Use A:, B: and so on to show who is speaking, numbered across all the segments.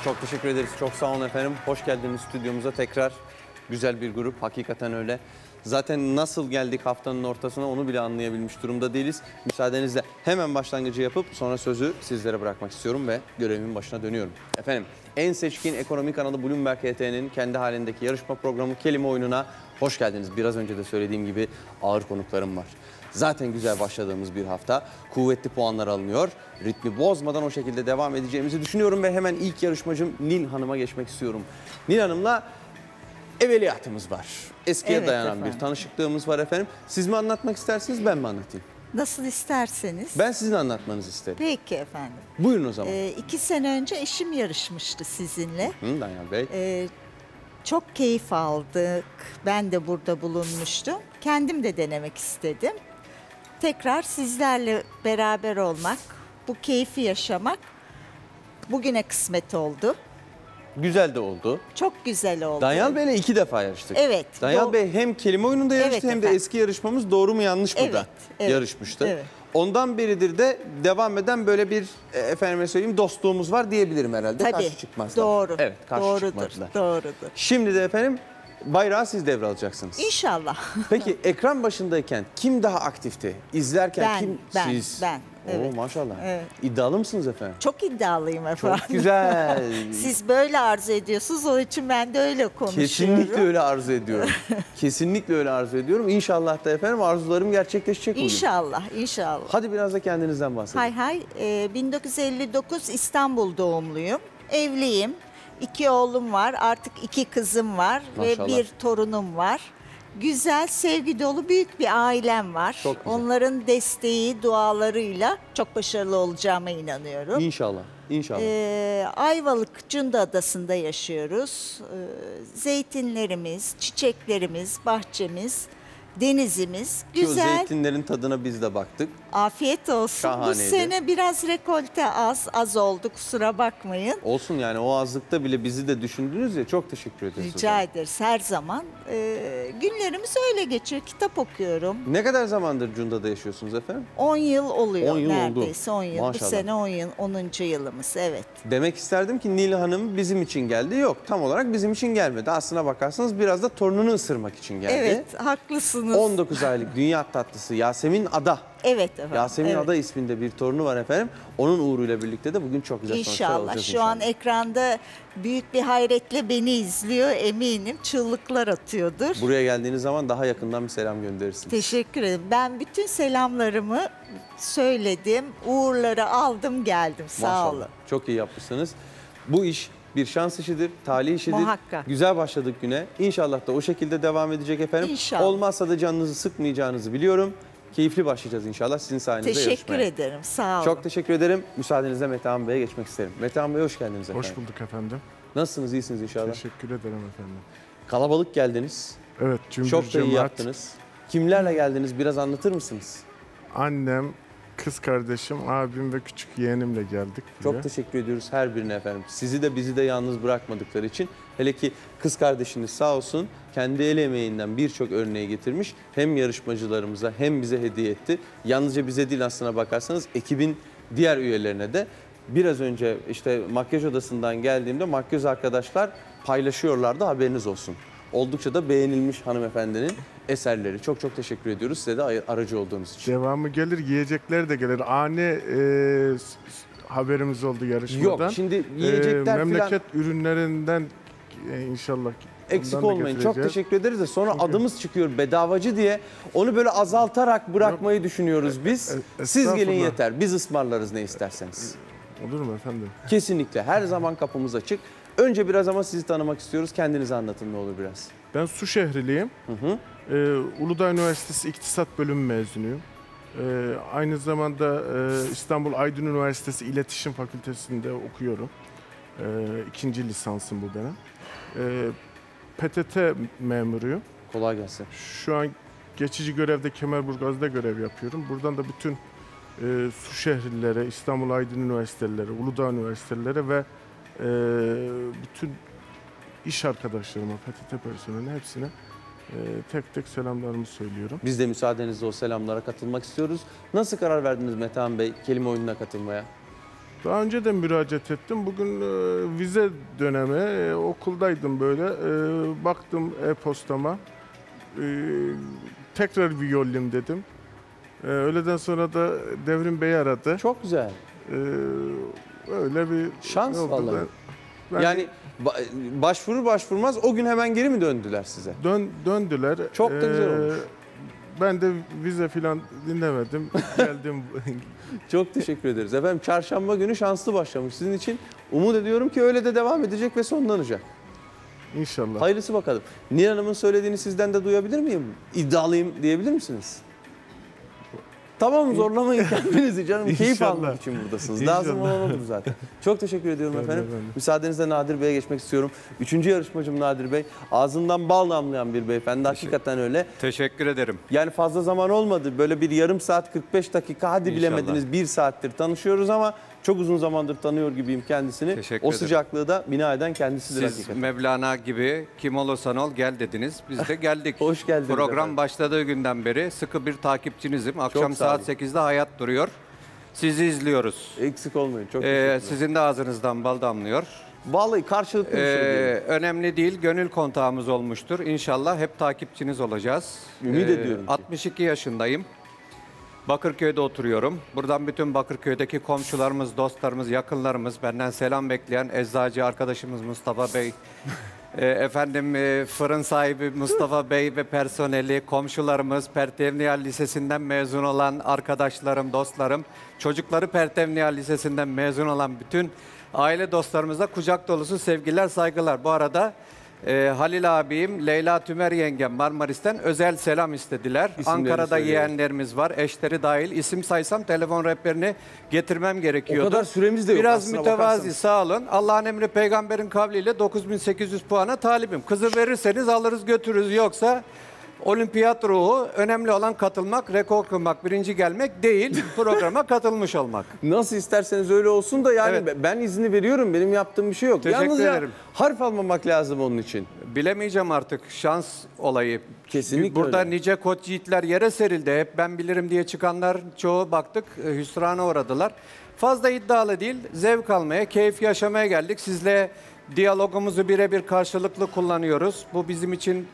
A: Çok teşekkür ederiz. Çok sağ olun efendim. Hoş geldiniz stüdyomuza tekrar. Güzel bir grup. Hakikaten öyle. Zaten nasıl geldik haftanın ortasına onu bile anlayabilmiş durumda değiliz. Müsaadenizle hemen başlangıcı yapıp sonra sözü sizlere bırakmak istiyorum ve görevimin başına dönüyorum. Efendim, en seçkin ekonomi kanalı Bloomberg HT'nin kendi halindeki yarışma programı Kelime Oyunu'na hoş geldiniz. Biraz önce de söylediğim gibi ağır konuklarım var. Zaten güzel başladığımız bir hafta. Kuvvetli puanlar alınıyor. Ritmi bozmadan o şekilde devam edeceğimizi düşünüyorum ve hemen ilk yarışmacım Nil Hanım'a geçmek istiyorum. Nil Hanım'la evveliyatımız var. Eskiye
B: Evet
A: dayanan
B: efendim.
A: bir tanışıklığımız var efendim. Siz mi anlatmak istersiniz, ben mi anlatayım?
B: Nasıl isterseniz.
A: Ben sizin anlatmanızı isterim.
B: Peki efendim.
A: Buyurun o zaman.
B: 2 sene önce eşim yarışmıştı sizinle.
A: Danyal Bey.
B: Çok keyif aldık. Ben de burada bulunmuştum. Kendim de denemek istedim. Tekrar sizlerle beraber olmak, bu keyfi yaşamak bugüne kısmet oldu.
A: Güzel de oldu.
B: Çok güzel oldu.
A: Danyal Bey'le 2 defa yarıştık.
B: Evet.
A: Danyal Bey hem kelime oyununda yarıştı
B: Evet
A: hem de
B: efendim.
A: eski yarışmamız Doğru mu Yanlış mı da
B: Evet,
A: yarışmıştı.
B: evet.
A: Ondan beridir de devam eden böyle bir efendime söyleyeyim dostluğumuz var diyebilirim herhalde.
B: Tabii.
A: Karşı çıkmazlar.
B: Doğru.
A: Evet, karşı
B: Doğrudur.
A: çıkmazlar.
B: Doğrudur.
A: Şimdi de efendim bayrağı siz devralacaksınız.
B: İnşallah.
A: Peki ekran başındayken kim daha aktifti? İzlerken kim? Siz.
B: Ben. Evet.
A: Oo, maşallah.
B: Evet.
A: İddialı mısınız efendim?
B: Çok iddialıyım efendim.
A: Çok güzel.
B: Siz böyle arzu ediyorsunuz, onun için ben de öyle konuşuyorum.
A: Kesinlikle öyle arzu ediyorum. Kesinlikle öyle arzu ediyorum. İnşallah da efendim arzularım gerçekleşecek bugün.
B: İnşallah, inşallah.
A: Hadi biraz da kendinizden bahsedin.
B: Hay hay, 1959 İstanbul doğumluyum. Evliyim. 2 oğlum var, artık 2 kızım var
A: Maşallah.
B: ve 1 torunum var. Güzel, sevgi dolu büyük bir ailem var.
A: Çok güzel.
B: Onların desteği, dualarıyla çok başarılı olacağıma inanıyorum.
A: İnşallah. İnşallah.
B: Ayvalık Cunda Adası'nda yaşıyoruz. Zeytinlerimiz, çiçeklerimiz, bahçemiz, denizimiz
A: Ki o
B: güzel.
A: zeytinlerin tadına biz de baktık.
B: Afiyet olsun. Bu
A: Şahaneydi.
B: sene biraz rekolte az oldu, kusura bakmayın.
A: Olsun yani o azlıkta bile bizi de düşündünüz ya, çok teşekkür ederiz. o
B: Rica
A: zaman.
B: ederiz her zaman. Günlerimiz öyle geçiyor. Kitap okuyorum.
A: Ne kadar zamandır Cunda'da yaşıyorsunuz efendim?
B: 10 yıl oluyor
A: 10 yıl oldu.
B: neredeyse. 10 yıl.
A: Maşallah.
B: Bu sene 10. yılımız. Evet.
A: Demek isterdim ki Nil Hanım bizim için geldi. Yok, tam olarak bizim için gelmedi. Aslına bakarsanız biraz da torununu ısırmak için geldi.
B: Evet, haklısınız.
A: 19 aylık dünya tatlısı Yasemin Ada.
B: Evet efendim.
A: Yasemin
B: evet.
A: Ada isminde bir torunu var efendim. Onun uğruyla birlikte de bugün çok güzel sonuçlar
B: İnşallah.
A: alacağız
B: Şu an ekranda büyük bir hayretle beni izliyor eminim. Çığlıklar atıyordur.
A: Buraya geldiğiniz zaman daha yakından bir selam gönderirsiniz.
B: Teşekkür ederim. Ben bütün selamlarımı söyledim. Uğurları aldım geldim. Sağ
A: Maşallah.
B: olun.
A: Çok iyi yapmışsınız. Bu iş bir şans işidir, talih işidir.
B: Muhakkak.
A: Güzel başladık güne. İnşallah da o şekilde devam edecek efendim.
B: İnşallah.
A: Olmazsa da canınızı sıkmayacağınızı biliyorum. Keyifli başlayacağız inşallah sizin sayenizde
B: Teşekkür
A: yarışmaya.
B: ederim. Sağ olun.
A: Çok teşekkür ederim. Müsaadenizle Metehan Bey'e geçmek isterim. Metehan Bey hoş geldiniz efendim.
C: Hoş bulduk efendim.
A: Nasılsınız, iyisiniz inşallah?
C: Teşekkür ederim efendim.
A: Kalabalık geldiniz.
C: Evet, cümbür
A: Çok da iyi
C: cemaat.
A: yaptınız. Kimlerle geldiniz, biraz anlatır mısınız?
C: Annem, kız kardeşim, abim ve küçük yeğenimle geldik buraya.
A: Çok teşekkür ediyoruz her birine efendim. Sizi de bizi de yalnız bırakmadıkları için. Hele ki kız kardeşiniz sağ olsun kendi el emeğinden birçok örneği getirmiş. Hem yarışmacılarımıza hem bize hediye etti. Yalnızca bize değil aslına bakarsanız ekibin diğer üyelerine de. Biraz önce işte makyaj odasından geldiğimde makyöz arkadaşlar paylaşıyorlardı, haberiniz olsun. Oldukça da beğenilmiş hanımefendinin eserleri. Çok çok teşekkür ediyoruz size de aracı olduğunuz için.
C: Devamı gelir, yiyecekler de gelir. Ani haberimiz oldu yarışmadan.
A: Yok şimdi yiyecekler falan
C: memleket ürünlerinden inşallah
A: eksik
C: ondan da
A: olmayın. Çok
C: getireceğiz.
A: teşekkür ederiz de sonra
C: Çünkü-
A: adımız çıkıyor bedavacı diye. Onu böyle azaltarak bırakmayı düşünüyoruz biz. Siz gelin
C: estağfurullah.
A: yeter. Biz ısmarlarız ne isterseniz.
C: Olur mu efendim?
A: Kesinlikle her zaman kapımız açık. Önce biraz ama sizi tanımak istiyoruz. Kendinizi anlatın ne olur biraz.
C: Ben Su şehriliyim. Uludağ Üniversitesi İktisat Bölümü mezunuyum. Aynı zamanda İstanbul Aydın Üniversitesi İletişim Fakültesi'nde okuyorum. 2. lisansım bu benim. PTT memuruyum.
A: Kolay gelsin.
C: Şu an geçici görevde Kemerburgaz'da görev yapıyorum. Buradan da bütün Su şehirlilere, İstanbul Aydın Üniversitelilere, Uludağ Üniversitelilere ve bütün iş arkadaşlarıma, PTT personeline hepsine tek tek selamlarımı söylüyorum.
A: Biz de müsaadenizle o selamlara katılmak istiyoruz. Nasıl karar verdiniz Metehan Bey kelime oyununa katılmaya?
C: Daha önce de müracaat ettim. Bugün vize dönemi, okuldaydım böyle. Baktım e-postama. Tekrar bir yollayayım dedim. Öğleden sonra da Devrim Bey aradı.
A: Çok güzel.
C: Öyle bir
A: Şans
C: oldu.
A: vallahi.
C: Ben
A: Yani başvurur başvurmaz o gün hemen geri mi döndüler size?
C: döndüler.
A: Çok da güzel olmuş.
C: Ben de vize falan dinlemedim. Geldim.
A: Çok teşekkür ederiz. Efendim çarşamba günü şanslı başlamış sizin için. Umut ediyorum ki öyle de devam edecek ve sonlanacak.
C: İnşallah.
A: Hayırlısı bakalım. Nihal Hanım'ın söylediğini sizden de duyabilir miyim? İddialıyım diyebilir misiniz? Tamam zorlamayın kendinizi canım. Keyif
C: İnşallah.
A: almak için buradasınız.
C: İnşallah.
A: Lazım olan odur zaten. Çok teşekkür ediyorum
C: Ben de,
A: efendim.
C: ben de.
A: Müsaadenizle Nadir Bey'e geçmek istiyorum. Üçüncü yarışmacım Nadir Bey. Ağzından bal damlayan bir beyefendi. Hakikaten öyle.
D: Teşekkür ederim.
A: Yani fazla zaman olmadı. Böyle bir yarım saat 45 dakika hadi
D: İnşallah.
A: bilemediniz 1 saattir tanışıyoruz ama çok uzun zamandır tanıyor gibiyim kendisini.
D: Teşekkür
A: O
D: ederim.
A: sıcaklığı da bina eden kendisidir
D: Siz
A: hakikaten.
D: Mevlana gibi kim olursan ol gel dediniz. Biz de geldik.
A: Hoş geldiniz
D: Program
A: efendim.
D: başladığı günden beri sıkı bir takipçinizim. Akşam
A: sağ olun.
D: saat 8'de Hayat duruyor. Sizi izliyoruz.
A: Eksik olmayın. Çok teşekkürler.
D: Sizin de ağzınızdan bal damlıyor.
A: Vallahi karşılıklı bir şey değil.
D: Önemli değil, gönül kontağımız olmuştur. İnşallah hep takipçiniz olacağız.
A: Ümit ediyorum ki.
D: 62 yaşındayım. Bakırköy'de oturuyorum. Buradan bütün Bakırköy'deki komşularımız, dostlarımız, yakınlarımız, benden selam bekleyen eczacı arkadaşımız Mustafa Bey, fırın sahibi Mustafa Bey ve personeli, komşularımız, Pertevniyal Lisesi'nden mezun olan arkadaşlarım, dostlarım, çocukları Pertevniyal Lisesi'nden mezun olan bütün aile dostlarımıza kucak dolusu sevgiler, saygılar. Bu arada Halil abim, Leyla Tümer yengem Marmaris'ten özel selam istediler.
A: İsimlerini
D: Ankara'da
A: söyleyelim.
D: yeğenlerimiz var, eşleri dahil. İsim saysam telefon rehberini getirmem gerekiyordu.
A: O kadar süremiz de yok
D: Biraz
A: aslına
D: mütevazi,
A: bakarsanız.
D: sağ olun. Allah'ın emri peygamberin kavliyle 9800 puana talibim. Kızı verirseniz alırız götürürüz, yoksa olimpiyat ruhu, önemli olan katılmak, rekor kırmak, birinci gelmek değil, programa katılmış olmak.
A: Nasıl isterseniz öyle olsun da yani
D: Evet.
A: ben izni veriyorum. Benim yaptığım bir şey yok.
D: Teşekkür
A: Yalnızca
D: ederim.
A: harf almamak lazım onun için.
D: Bilemeyeceğim artık, şans olayı.
A: Kesinlikle
D: Burada
A: öyle.
D: nice koç yiğitler yere serildi. Hep ben bilirim diye çıkanlar çoğu baktık hüsrana uğradılar. Fazla iddialı değil, zevk almaya, keyif yaşamaya geldik. Sizle diyalogumuzu birebir karşılıklı kullanıyoruz. Bu bizim için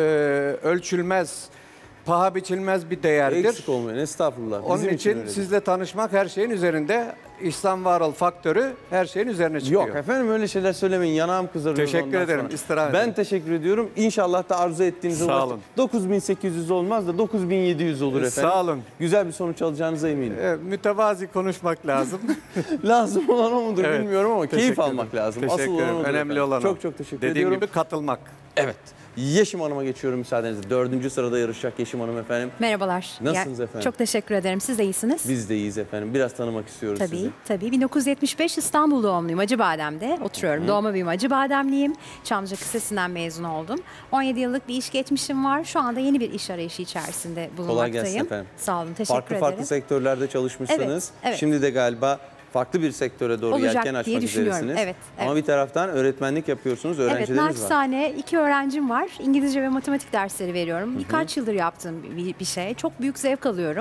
D: ölçülmez, paha biçilmez bir değerdir.
A: Eksik olmayın. Estağfurullah.
D: Onun
A: Bizim
D: için
A: öyledir.
D: sizle tanışmak her şeyin üzerinde. İhsan Varol faktörü her şeyin üzerine çıkıyor.
A: Yok efendim öyle şeyler söylemeyin. Yanağım kızarıyor.
D: Teşekkür
A: ondan
D: ederim,
A: sonra.
D: istirham
A: Ben
D: ederim.
A: teşekkür ediyorum. İnşallah da arzu ettiğiniz
D: Sağ olun.
A: 9800 olmaz da 9700 olur efendim.
D: Sağ olun.
A: Güzel bir sonuç alacağınıza eminim.
D: Mütevazi konuşmak lazım.
A: Lazım olan o mudur
D: Evet,
A: bilmiyorum ama keyif
D: teşekkür
A: almak
D: ederim.
A: lazım.
D: Teşekkür
A: Asıl olan
D: ederim.
A: odur
D: Önemli
A: efendim.
D: olan o.
A: Çok çok teşekkür
D: Dediğim
A: ediyorum.
D: gibi katılmak.
A: Evet. Yeşim Hanım'a geçiyorum müsaadenizle. 4. sırada yarışacak Yeşim Hanım efendim.
E: Merhabalar.
A: Nasılsınız efendim?
E: Çok teşekkür ederim. Siz de iyisiniz.
A: Biz de iyiyiz efendim. Biraz tanımak istiyoruz
E: Tabii,
A: sizi.
E: tabii. 1975 İstanbul doğumluyum. Acıbadem'de oturuyorum. Doğma büyüme Acıbademliyim. Çamlıca Lisesi'nden mezun oldum. 17 yıllık bir iş geçmişim var. Şu anda yeni bir iş arayışı içerisinde bulunmaktayım.
A: Kolay gelsin efendim.
E: Sağ olun. Teşekkür
A: Farklı
E: ederim.
A: farklı sektörlerde çalışmışsınız.
E: Evet, evet.
A: Şimdi de galiba farklı bir sektöre doğru
E: Olacak
A: yelken
E: diye
A: açmak
E: düşünüyorum.
A: üzeresiniz.
E: Evet,
A: Ama
E: evet.
A: bir taraftan öğretmenlik yapıyorsunuz,
E: Evet,
A: öğrencileriniz var.
E: naçizane 2 öğrencim var. İngilizce ve matematik dersleri veriyorum. Birkaç yıldır yaptığım bir şey. Çok büyük zevk alıyorum.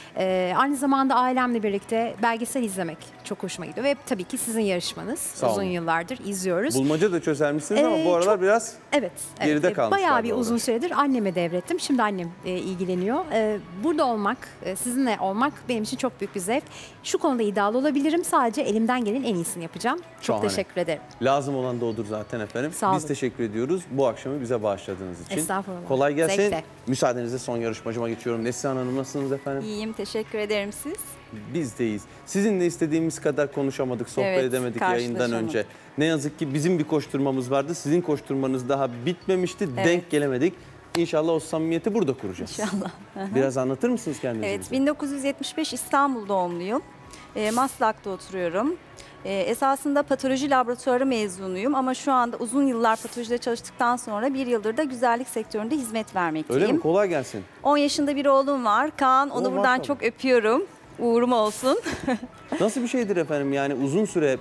E: Aynı zamanda ailemle birlikte belgesel izlemek çok hoşuma gidiyor. Ve tabii ki sizin yarışmanız.
A: Sağ olun.
E: Uzun yıllardır izliyoruz.
A: Bulmaca da çözermişsiniz ama bu
E: Çok-
A: aralar biraz
E: Evet.
A: Geride
E: evet.
A: kalmışlar
E: Bayağı bir
A: doğru.
E: uzun süredir anneme devrettim. Şimdi annem ilgileniyor. Burada olmak, sizinle olmak benim için çok büyük bir zevk. Şu konuda iddialı olabilirim. Sadece elimden gelen en iyisini yapacağım. Çok
A: Şahane.
E: teşekkür ederim.
A: lazım olan da odur zaten efendim.
E: Sağ
A: Biz
E: olun.
A: teşekkür ediyoruz bu akşamı bize bağışladığınız için.
E: Estağfurullah.
A: Kolay gelsin.
E: Zevkle.
A: Müsaadenizle son yarışmacıma geçiyorum. Neslihan Hanım nasılsınız efendim?
F: İyiyim, teşekkür ederim siz.
A: Biz de iyiyiz. Sizinle istediğimiz kadar konuşamadık, sohbet
F: Evet,
A: edemedik yayından
F: karşılaşamadık.
A: önce. Ne yazık ki bizim bir koşturmamız vardı. Sizin koşturmanız daha bitmemişti.
F: Evet.
A: Denk gelemedik. İnşallah o samimiyeti burada kuracağız.
F: İnşallah.
A: Biraz anlatır mısınız kendinizi
F: Evet,
A: bize?
F: 1975 İstanbul doğumluyum. Maslak'ta oturuyorum. Esasında patoloji laboratuvarı mezunuyum ama şu anda uzun yıllar patolojide çalıştıktan sonra bir yıldır da güzellik sektöründe hizmet vermekteyim.
A: Öyle mi? Kolay gelsin.
F: 10 yaşında bir oğlum var. Kaan, onu
A: Oo,
F: buradan
A: maşallah.
F: çok öpüyorum. Uğurum olsun.
A: Nasıl bir şeydir efendim? Yani uzun süre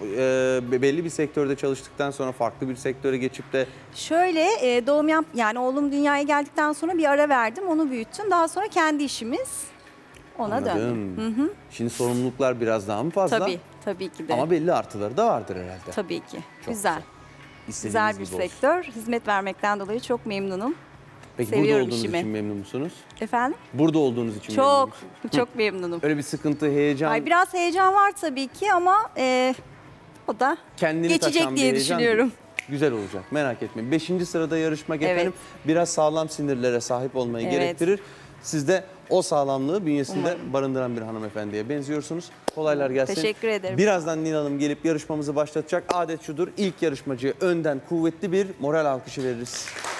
A: belli bir sektörde çalıştıktan sonra farklı bir sektöre geçip de
F: Şöyle yani oğlum dünyaya geldikten sonra bir ara verdim, onu büyüttüm. Daha sonra kendi işimiz. Ona döndüm.
A: Anladım. Şimdi sorumluluklar biraz daha mı fazla?
F: Tabii ki de.
A: Ama belli artıları da vardır herhalde.
F: Tabii ki.
A: Çok
F: Güzel.
A: İstediğiniz
F: Güzel bir
A: gibi olsun.
F: sektör. Hizmet vermekten dolayı çok memnunum.
A: Peki burada
F: Seviyorum
A: olduğunuz
F: işimi.
A: için memnun musunuz?
F: Efendim?
A: Burada olduğunuz için memnun
F: Çok,
A: musunuz?
F: çok memnunum.
A: Öyle bir sıkıntı, heyecan,
F: Ay, biraz heyecan var tabii ki ama o da
A: kendini
F: geçecek
A: taşan bir
F: diye
A: heyecan
F: düşünüyorum.
A: değil. Güzel olacak, merak etmeyin. 5. sırada yarışmak
F: Evet.
A: efendim biraz sağlam sinirlere sahip olmayı
F: Evet.
A: gerektirir. Siz de o sağlamlığı bünyesinde
F: Umarım.
A: barındıran bir hanımefendiye benziyorsunuz. Kolaylar gelsin.
F: Teşekkür ederim.
A: Birazdan Nil Hanım gelip yarışmamızı başlatacak. Adet şudur, ilk yarışmacıya önden kuvvetli bir moral alkışı veririz.